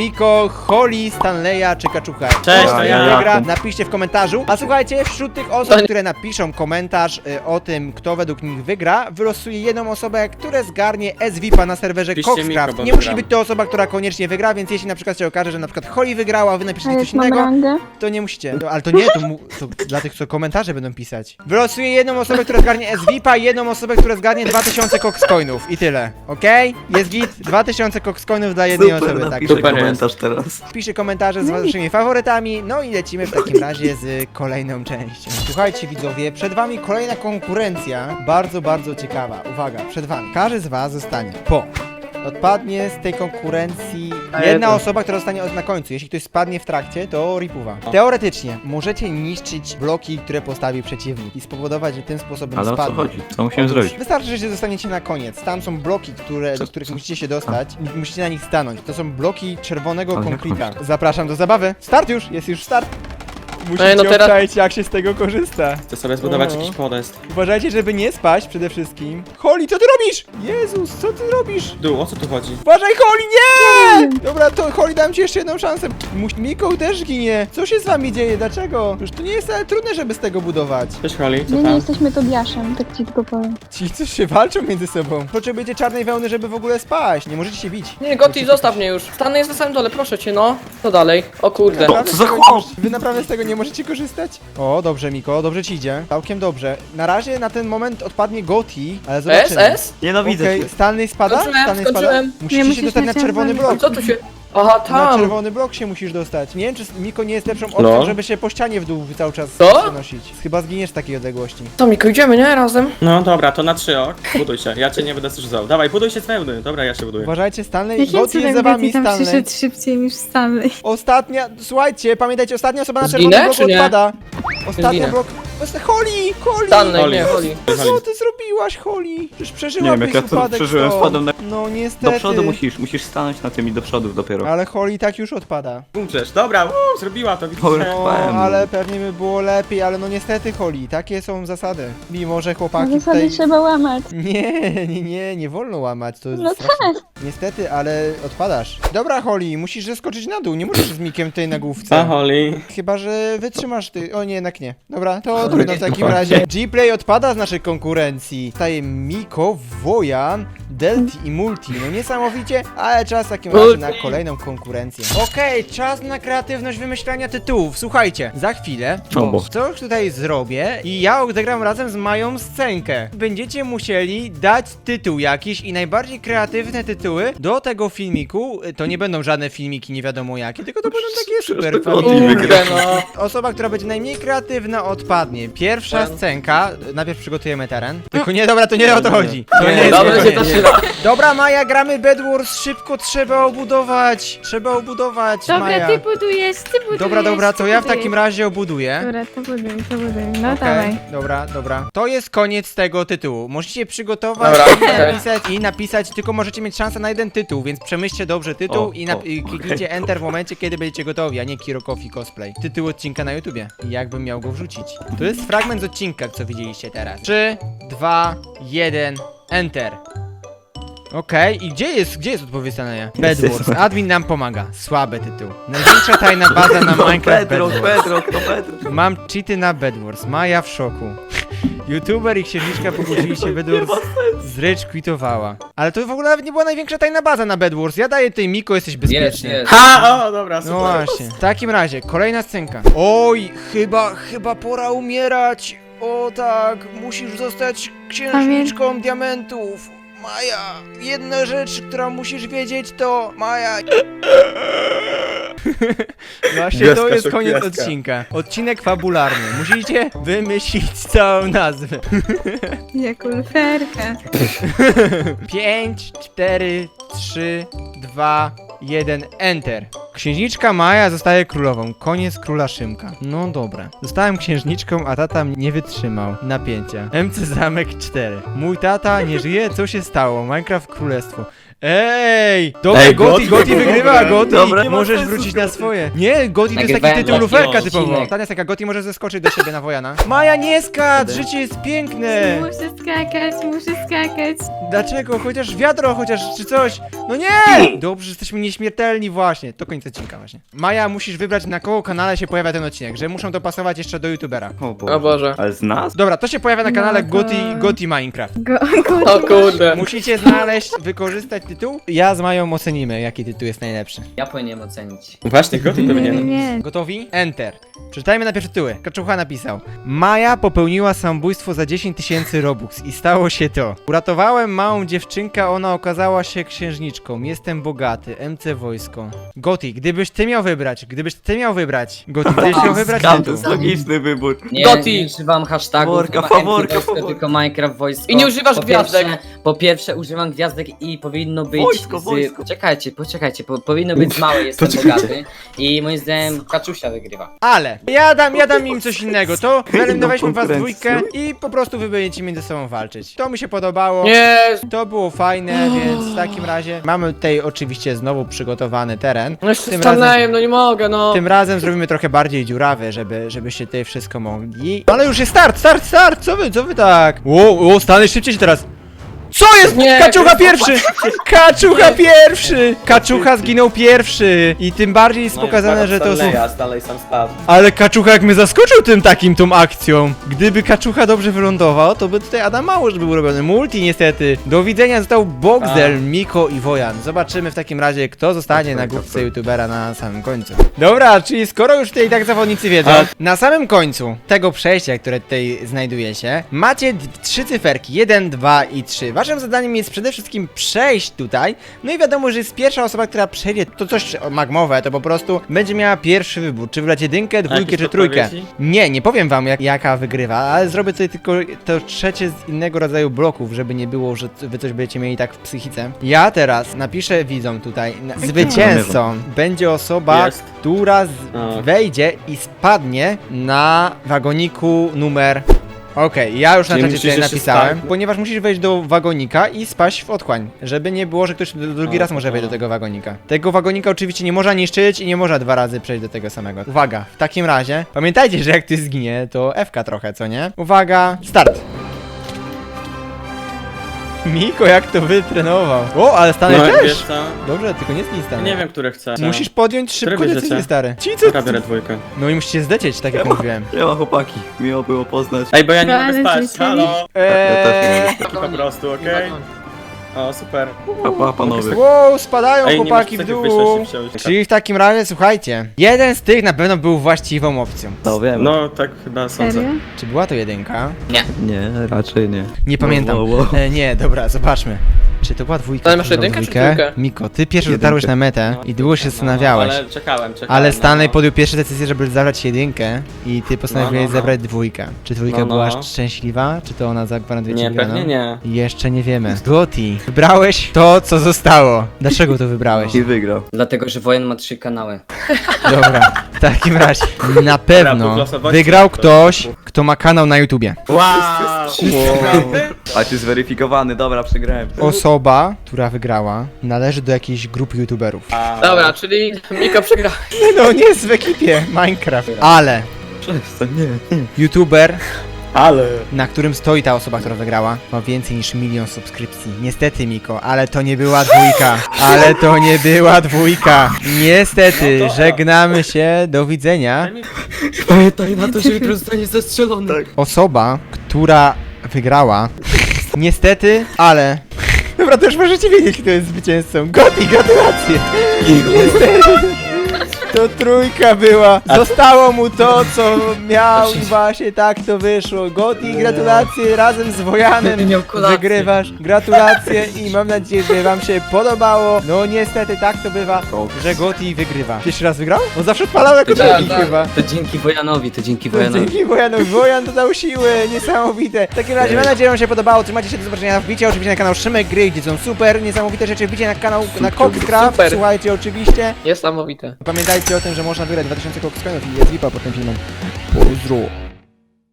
Speaker 1: Miko, Holly, Stanleya czy Kaczucha.
Speaker 8: Cześć,
Speaker 1: Kto
Speaker 8: to
Speaker 1: z
Speaker 8: ja.
Speaker 1: nich wygra,
Speaker 4: Jakub.
Speaker 1: napiszcie w komentarzu. A słuchajcie, wśród tych osób, które napiszą komentarz y, o tym, kto według nich wygra, wylosuję jedną osobę, która zgarnie S V I P a na serwerze
Speaker 8: Piszcie
Speaker 1: Coxcraft.
Speaker 8: Miko, bo
Speaker 1: Nie musi
Speaker 8: wygram.
Speaker 1: być to osoba, która koniecznie wygra, więc jeśli na przykład się okaże, że na przykład Holly wygrała, a wy
Speaker 5: A
Speaker 1: napiszecie
Speaker 5: jak
Speaker 1: coś
Speaker 5: mam
Speaker 1: innego,
Speaker 5: rangę?
Speaker 1: to nie musicie. No, ale to nie, to, mu, to dla tych, co komentarze będą pisać. Wylosuję jedną osobę, która zgarnie S V I P a i jedną osobę, która zgarnie dwa tysiące coxcoinów. I tyle. Okej? Jest git? dwa tysiące coxcoinów dla jednej
Speaker 4: Super,
Speaker 1: osoby. Tak.
Speaker 4: napiszę
Speaker 2: Super
Speaker 4: komentarz teraz.
Speaker 1: Piszcie komentarze z waszymi faworytami. No i lecimy w takim razie z kolejną częścią. Słuchajcie widzowie, przed wami kolejna konkurencja. Bardzo, bardzo ciekawa. Uwaga, przed wami. Każdy z was zostanie po. Odpadnie z tej konkurencji jedna osoba, która zostanie od- na końcu. Jeśli ktoś spadnie w trakcie, to ripuwa. Teoretycznie możecie niszczyć bloki, które postawi przeciwnik i spowodować, że tym sposobem
Speaker 4: Ale o co
Speaker 1: spadnie.
Speaker 4: chodzi? Co musimy
Speaker 1: Otóż
Speaker 4: zrobić?
Speaker 1: Wystarczy, że się zostaniecie na koniec. Tam są bloki, które, do których musicie się dostać. i Musicie na nich stanąć. To są bloki czerwonego
Speaker 4: Ale jak
Speaker 1: konkreta.
Speaker 4: masz?
Speaker 1: Zapraszam do zabawy. Start już! Jest już start! Musicie
Speaker 2: Ej, no teraz-
Speaker 1: obczaić, jak się z tego korzysta.
Speaker 8: Chcę sobie zbudować
Speaker 1: No.
Speaker 8: jakiś podest.
Speaker 1: Uważajcie, żeby nie spaść przede wszystkim. Holly, co ty robisz? Jezus, co ty robisz?
Speaker 8: Dół, o co tu chodzi?
Speaker 1: Uważaj, Holly, nie! Dobra, to Holly, dam ci jeszcze jedną szansę. Mus- Miko też ginie. Co się z wami dzieje? Dlaczego? Już to nie jest ale trudne, żeby z tego budować.
Speaker 8: Cześć Holly, co
Speaker 5: My nie
Speaker 8: tam?
Speaker 5: jesteśmy Tobiaszem, tak ci tylko powiem.
Speaker 1: Ci coś się walczą między sobą. Potrzebujecie czarnej wełny, żeby w ogóle spaść. Nie możecie się bić.
Speaker 2: Nie, Gotti, zostaw mnie już. Stanę jest na samym dole, proszę cię, no. Co dalej? O kurde.
Speaker 1: Naprawdę
Speaker 4: co
Speaker 1: z
Speaker 4: za
Speaker 1: tego
Speaker 4: chłop?
Speaker 1: nie możecie- Wy naprawdę z tego nie możecie korzystać? O, dobrze, Miko, dobrze ci idzie. Całkiem dobrze. Na razie na ten moment odpadnie Goti, ale
Speaker 2: S,
Speaker 1: zobaczymy.
Speaker 2: S?
Speaker 4: Nienawidzę
Speaker 1: Okej,
Speaker 4: cię.
Speaker 1: Stanley spada?
Speaker 2: Skończyłem,
Speaker 1: Stanley spada?
Speaker 2: skończyłem.
Speaker 1: Musicie
Speaker 5: Nie,
Speaker 1: się
Speaker 5: musisz
Speaker 1: dostać na
Speaker 5: na
Speaker 1: czerwony
Speaker 5: czerwony.
Speaker 1: blok.
Speaker 2: Co tu się... Aha,
Speaker 1: Na
Speaker 2: tam.
Speaker 1: czerwony blok się musisz dostać. Nie wiem, czy Miko nie jest lepszą opcją,
Speaker 8: No.
Speaker 1: żeby się po ścianie w dół cały czas
Speaker 2: Co?
Speaker 1: przenosić. Chyba zginiesz z takiej odległości.
Speaker 2: To Miko, idziemy, nie? Razem.
Speaker 8: No dobra, to na trzy ok. Buduj się, ja cię nie będę strzyżał. Dawaj, buduj się z wełny. Dobra, ja się buduję.
Speaker 1: Uważajcie, Stanley.
Speaker 5: Jakim
Speaker 1: Goti jest za
Speaker 5: cudem
Speaker 1: wami,
Speaker 5: Betty tam
Speaker 1: Stanley.
Speaker 5: przyszedł szybciej niż Stanley?
Speaker 1: Ostatnia, słuchajcie, pamiętajcie, ostatnia osoba na
Speaker 2: Zginę,
Speaker 1: czerwonym bloku
Speaker 2: czy nie?
Speaker 1: odpada. Ostatnia
Speaker 2: Zginę.
Speaker 1: blok... Holly! Holly!
Speaker 2: Stanley,
Speaker 8: Holly.
Speaker 2: nie, Holly.
Speaker 1: Co ty zrobiłaś, Holly? Przecież
Speaker 4: Nie
Speaker 1: przeżyłabyś
Speaker 4: wiem, jak ja to
Speaker 1: upadek
Speaker 4: przeżyłem,
Speaker 1: stąd.
Speaker 4: spadłem na...
Speaker 1: No niestety.
Speaker 4: Do przodu musisz, musisz stanąć na tym i do przodu dopiero.
Speaker 1: Ale Holly tak już odpada.
Speaker 8: Umrzesz, dobra, uu, zrobiła to, widzisz?
Speaker 4: Holly.
Speaker 1: No,
Speaker 4: Powiem.
Speaker 1: ale pewnie by było lepiej, ale no niestety Holly, takie są zasady. Mimo, że chłopaki
Speaker 5: Zasady
Speaker 1: tutaj...
Speaker 5: trzeba łamać.
Speaker 1: Nie, nie, nie, nie wolno łamać, to jest
Speaker 5: No
Speaker 1: straszne.
Speaker 5: tak.
Speaker 1: Niestety, ale odpadasz. Dobra Holly, musisz zeskoczyć na dół, nie możesz z Mikiem tutaj na
Speaker 8: A
Speaker 1: główce.
Speaker 8: Holly?
Speaker 1: Chyba, że wytrzymasz ty... O nie, jednak nie. Dobra, to trudno w takim razie. G-Play odpada z naszej konkurencji. Staje Miko, Wojan, Delty i Multi. No niesamowicie, ale czas w takim razie na kolejną konkurencję. Okej, czas na kreatywność wymyślania tytułów. Słuchajcie, za chwilę
Speaker 4: Czombo.
Speaker 1: coś tutaj zrobię i ja odegram razem z Mają scenkę. Będziecie musieli dać tytuł jakiś i najbardziej kreatywne tytuły do tego filmiku. To nie będą żadne filmiki nie wiadomo jakie, tylko to będą takie super
Speaker 4: to
Speaker 1: familijne.
Speaker 2: Kurde, no.
Speaker 1: Osoba, która będzie najmniej kreatywna, odpadnie. Pierwsza scenka. Najpierw przygotujemy teren. Tylko nie, dobra, to nie o to chodzi. To nie jest
Speaker 2: Dobrze się to
Speaker 1: koniec.
Speaker 2: trzyma.
Speaker 1: Dobra, Maja, gramy Bed Wars. Szybko trzeba obudować. Trzeba obudować,
Speaker 5: Dobra,
Speaker 1: Maja.
Speaker 5: ty budujesz, ty budujesz.
Speaker 1: Dobra, dobra, to
Speaker 5: ty
Speaker 1: ja w
Speaker 5: budujesz.
Speaker 1: takim razie obuduję.
Speaker 5: Dobra, to buduj, to buduj. No
Speaker 1: Okej,
Speaker 5: dawaj.
Speaker 1: dobra, dobra. To jest koniec tego tytułu. Musicie przygotować
Speaker 2: Dobra,
Speaker 1: i
Speaker 2: okej.
Speaker 1: napisać, i napisać, tylko możecie mieć szansę na jeden tytuł, więc przemyślcie dobrze tytuł
Speaker 4: O,
Speaker 1: i, nap-
Speaker 4: o,
Speaker 1: i kliknijcie Enter w momencie, kiedy będziecie gotowi, a nie Kiro Coffee Cosplay. Tytuł odcinka na YouTubie. I jakbym miał go wrzucić. To jest fragment z odcinka, co widzieliście teraz. trzy, dwa, jeden, Enter. Okej, i gdzie jest, gdzie jest odpowiedź Stanleya? Bed Wars. Admin nam pomaga. Słaby tytuł. Największa tajna baza na
Speaker 4: No,
Speaker 1: Minecraft Bed
Speaker 4: Bedrock,
Speaker 1: Wars.
Speaker 4: Bedrock, to Bedrock.
Speaker 1: Mam cheaty na Bed Wars. Maja w szoku. YouTuber i księżniczka pogodzili się, Bed Wars z Rage quitowała. Ale to w ogóle nawet nie była największa tajna baza na Bed Wars. Ja daję tej Miko, jesteś
Speaker 2: Jest,
Speaker 1: bezpieczny.
Speaker 2: jest.
Speaker 8: Ha, o, dobra, super.
Speaker 1: No właśnie. W takim razie, kolejna scenka. Oj, chyba, chyba pora umierać. O tak, musisz zostać księżniczką diamentów. Maja, jedna rzecz, która musisz wiedzieć to... Maja... Właśnie to
Speaker 8: Gwiazdka,
Speaker 1: jest
Speaker 8: szok,
Speaker 1: koniec
Speaker 8: gwiazdka.
Speaker 1: odcinka. Odcinek fabularny. Musicie wymyślić całą nazwę.
Speaker 5: Jak ulferka.
Speaker 1: pięć, cztery, trzy, dwa, jeden, Enter. Księżniczka Maja zostaje królową. Koniec króla Szymka. No dobra. Zostałem księżniczką, a tata nie wytrzymał napięcia. M C Zamek cztery. Mój tata nie żyje, co się stało? Minecraft Królestwo. Ej! Dobra,
Speaker 4: Ej,
Speaker 1: Goti,
Speaker 4: Goti,
Speaker 1: Goti
Speaker 4: dobra.
Speaker 1: wygrywa, Goti!
Speaker 4: Dobra, nie ma
Speaker 1: Możesz
Speaker 4: sensu
Speaker 1: wrócić na
Speaker 4: zgadzać.
Speaker 1: swoje. Nie, Goti to jest taki
Speaker 3: Nagrywałem
Speaker 1: tytuł
Speaker 3: taki
Speaker 1: luferka typowo.
Speaker 3: odcinek.
Speaker 1: Tania jest taka, Goti może zeskoczyć do siebie na Wojana. Maja, nie skacz! Życie jest piękne!
Speaker 5: Muszę skakać, muszę skakać.
Speaker 1: Dlaczego? Chociaż wiadro, chociaż czy coś. No nie! Dobrze, że jesteśmy nieśmiertelni właśnie. To koniec odcinka właśnie. Maja, musisz wybrać, na kogo kanale się pojawia ten odcinek, że muszą dopasować jeszcze do youtubera.
Speaker 4: O Boże.
Speaker 2: O Boże.
Speaker 4: Ale z nas?
Speaker 1: Dobra, to się pojawia na kanale
Speaker 5: No to-
Speaker 1: Goti, Goti Minecraft.
Speaker 5: Go,
Speaker 2: O
Speaker 5: go,
Speaker 2: kurde.
Speaker 1: Musicie znaleźć, wykorzystać tytuł. Ja z Mają ocenimy, jaki tytuł jest najlepszy.
Speaker 3: Ja powinienem ocenić.
Speaker 8: Właśnie, Goty
Speaker 5: nie, nie,
Speaker 8: powinien.
Speaker 5: nie.
Speaker 1: Gotowi? Enter. Przeczytajmy najpierw tytuły. Kaczucha napisał: Maja popełniła samobójstwo za dziesięć tysięcy robux i stało się to. Uratowałem małą dziewczynkę, ona okazała się księżniczką. Jestem bogaty. M C Wojsko. Goti, gdybyś ty miał wybrać, gdybyś ty miał wybrać. Goti, gdybyś miał wybrać
Speaker 4: Skam, to
Speaker 1: tytuł.
Speaker 4: jest logiczny wybór.
Speaker 3: Nie,
Speaker 2: Goti.
Speaker 3: nie używam hashtagów,
Speaker 4: Faworka,
Speaker 3: chyba
Speaker 4: faworka,
Speaker 3: M T Wojsko,
Speaker 4: faworka.
Speaker 3: tylko Minecraft Wojsko.
Speaker 2: I nie używasz
Speaker 3: po
Speaker 2: gwiazdek.
Speaker 3: Pierwsze, po pierwsze używam gwiazdek i powinno być
Speaker 4: Wojsko,
Speaker 3: z...
Speaker 4: wojsko.
Speaker 3: Czekajcie, poczekajcie, po, powinno być z małej, jestem bogaty. I moim zdaniem Kaczusia wygrywa.
Speaker 1: Ale ja dam, ja dam im coś innego. To wyeliminowaliśmy was
Speaker 4: konkurencję.
Speaker 1: dwójkę i po prostu wy będziecie między sobą walczyć. To mi się podobało.
Speaker 2: Nie.
Speaker 1: To było fajne, więc w takim razie mamy tutaj oczywiście znowu przygotowany teren.
Speaker 2: No jeszcze
Speaker 1: Tym
Speaker 2: stanąłem, no nie mogę, no.
Speaker 1: Tym razem zrobimy trochę bardziej dziurawy, żeby, żebyście tutaj wszystko mogli. Ale już jest start, start, start! Co wy, co wy tak? Ło, o, Stanley, szybciej się teraz! Co jest?
Speaker 2: Nie,
Speaker 1: Kaczucha pierwszy! Kaczucha pierwszy! Kaczucha zginął pierwszy! I tym bardziej jest pokazane, że to są...
Speaker 8: dalej sam spadł.
Speaker 1: Ale Kaczucha jak mnie zaskoczył tym takim, tą akcją. Gdyby Kaczucha dobrze wylądował, to by tutaj Adam mało, żeby był robiony. Multi niestety. Do widzenia został Boxdel, Miko i Wojan. Zobaczymy w takim razie, kto zostanie na główce youtubera na samym końcu. Dobra, czyli skoro już tutaj tak zawodnicy wiedzą, na samym końcu tego przejścia, które tutaj znajduje się, macie d- trzy cyferki, jeden, dwa i trzy. Waszym zadaniem jest przede wszystkim przejść tutaj, no i wiadomo, że jest pierwsza osoba, która przejdzie to coś magmowe, to po prostu będzie miała pierwszy wybór, czy wybrać jedynkę, dwójkę
Speaker 8: jakieś
Speaker 1: czy trójkę.
Speaker 8: podpowiedzi?
Speaker 1: Nie, nie powiem wam jak, jaka wygrywa, ale zrobię tutaj tylko to trzecie z innego rodzaju bloków, żeby nie było, że wy coś będziecie mieli tak w psychice. Ja teraz napiszę widzom tutaj, na, zwycięzcą będzie osoba,
Speaker 8: Jest.
Speaker 1: która z,
Speaker 8: A.
Speaker 1: wejdzie i spadnie na wagoniku numer... Okej, ja już na
Speaker 8: Czyli
Speaker 1: czacie
Speaker 8: musisz
Speaker 1: tutaj
Speaker 8: jeszcze
Speaker 1: napisałem,
Speaker 8: spać.
Speaker 1: ponieważ musisz wejść do wagonika i spaść w otchłań, żeby nie było, że ktoś d- drugi
Speaker 8: O,
Speaker 1: raz może wejść
Speaker 8: o.
Speaker 1: do tego wagonika. Tego wagonika oczywiście nie można niszczyć i nie można dwa razy przejść do tego samego. Uwaga, w takim razie, pamiętajcie, że jak ty zginie, to F-ka trochę, co nie? Uwaga, start! Miko, jak to wytrenował. O, ale Stanek
Speaker 8: No
Speaker 1: też!
Speaker 8: wiesz co?
Speaker 1: Dobrze, tylko nie zgin Stanek.
Speaker 8: Nie wiem, które chcę.
Speaker 1: Musisz podjąć szybko
Speaker 8: Które
Speaker 1: decyzję,
Speaker 8: bierzecie?
Speaker 1: stary. Ci co?
Speaker 8: Dobra, biorę dwójkę.
Speaker 1: No i musicie zdecieć, tak jak mówiłem.
Speaker 4: Siema chłopaki, miło było poznać.
Speaker 8: Ej, bo ja nie
Speaker 5: No,
Speaker 8: mogę
Speaker 5: ale
Speaker 8: spać,
Speaker 5: życzę.
Speaker 8: halo!
Speaker 1: Eee,
Speaker 8: Taki po prostu, okej? O, super.
Speaker 4: Pa, pa, panowie.
Speaker 1: wow, spadają
Speaker 8: Ej, nie masz
Speaker 1: chłopaki w
Speaker 8: cechy
Speaker 1: dół.
Speaker 8: wyżej się wziąć.
Speaker 1: Czyli w takim razie, słuchajcie, jeden z tych na pewno był właściwą opcją.
Speaker 4: No wiem.
Speaker 8: No, tak chyba sądzę.
Speaker 5: Serio?
Speaker 1: Czy była to jedynka?
Speaker 4: Nie, raczej nie.
Speaker 1: Nie pamiętam.
Speaker 4: Wow, wow.
Speaker 1: E, nie, dobra, zobaczmy. Czy to była dwójka?
Speaker 2: Ale masz
Speaker 1: czy to była
Speaker 2: jedynkę czy
Speaker 1: dwójka?
Speaker 2: trójkę?
Speaker 1: Miko, ty pierwszy
Speaker 4: Jedynkę.
Speaker 1: dotarłeś na metę i długo się
Speaker 8: No,
Speaker 1: zastanawiałeś.
Speaker 8: ale czekałem, czekałem.
Speaker 1: Ale Stanley
Speaker 8: no.
Speaker 1: podjął pierwszą decyzję, żeby zabrać jedynkę i ty postanowiłeś
Speaker 8: No, no, no.
Speaker 1: zebrać dwójkę. Czy dwójka
Speaker 8: No, no,
Speaker 1: była
Speaker 8: no.
Speaker 1: szczęśliwa? Czy to ona zagwarantuje ci
Speaker 8: Nie,
Speaker 1: wygraną?
Speaker 8: pewnie nie.
Speaker 1: Jeszcze nie wiemy. Goti, wybrałeś to, co zostało. Dlaczego to wybrałeś?
Speaker 4: I wygrał.
Speaker 3: Dlatego, że Wojen ma trzy kanały.
Speaker 1: Dobra, w takim razie na
Speaker 8: punkt
Speaker 1: pewno
Speaker 8: losowości.
Speaker 1: wygrał ktoś, kto ma kanał na YouTubie.
Speaker 8: Wow!
Speaker 4: A ty zweryfikowany, dobra, przegrałem.
Speaker 1: Osoba, która wygrała, należy do jakiejś grupy YouTuberów.
Speaker 2: Dobra, czyli Miko przegra.
Speaker 1: No nie jest w ekipie Minecraft. Ale
Speaker 4: Przestań, nie.
Speaker 1: YouTuber,
Speaker 8: Ale...
Speaker 1: na którym stoi ta osoba, która wygrała, ma więcej niż milion subskrypcji. Niestety, Miko, ale to nie była dwójka. Ale to nie była dwójka. Niestety,
Speaker 8: No to-
Speaker 1: żegnamy się, do widzenia.
Speaker 3: Pamiętaj na to, że jutro zostanie zastrzelony.
Speaker 1: Osoba, która wygrała, niestety, ale... Dobra, to już możecie wiedzieć, kto jest zwycięzcą. Goti, gratulacje! Niestety, to trójka była. Zostało mu to, co miał i właśnie tak to wyszło. Goti, gratulacje razem z Wojanem.
Speaker 3: Miał kolację.
Speaker 1: Wygrywasz. Gratulacje i mam nadzieję, że wam się podobało. No niestety tak to bywa, że Goti wygrywa. Pierwszy raz wygrał? On zawsze odpalał jako
Speaker 2: Tak,
Speaker 1: drugi
Speaker 2: tak.
Speaker 1: chyba.
Speaker 3: To dzięki Wojanowi, to dzięki
Speaker 1: To
Speaker 3: Wojanowi.
Speaker 1: dzięki Wojanowi. Wojan dodał siły, niesamowite. W takim razie mam nadzieję, że wam się podobało. Trzymajcie się, do zobaczenia. Wbicie oczywiście na kanał Szymek Gry, gdzie są super, niesamowite rzeczy. Wbicie na kanał na Coxcraft,
Speaker 2: Super.
Speaker 1: słuchajcie oczywiście.
Speaker 2: Niesamowite.
Speaker 1: Pamiętajcie o tym, że można wygrać dwa tysiące Coxcoinów i jest lipa pod tym filmem. Pozdro.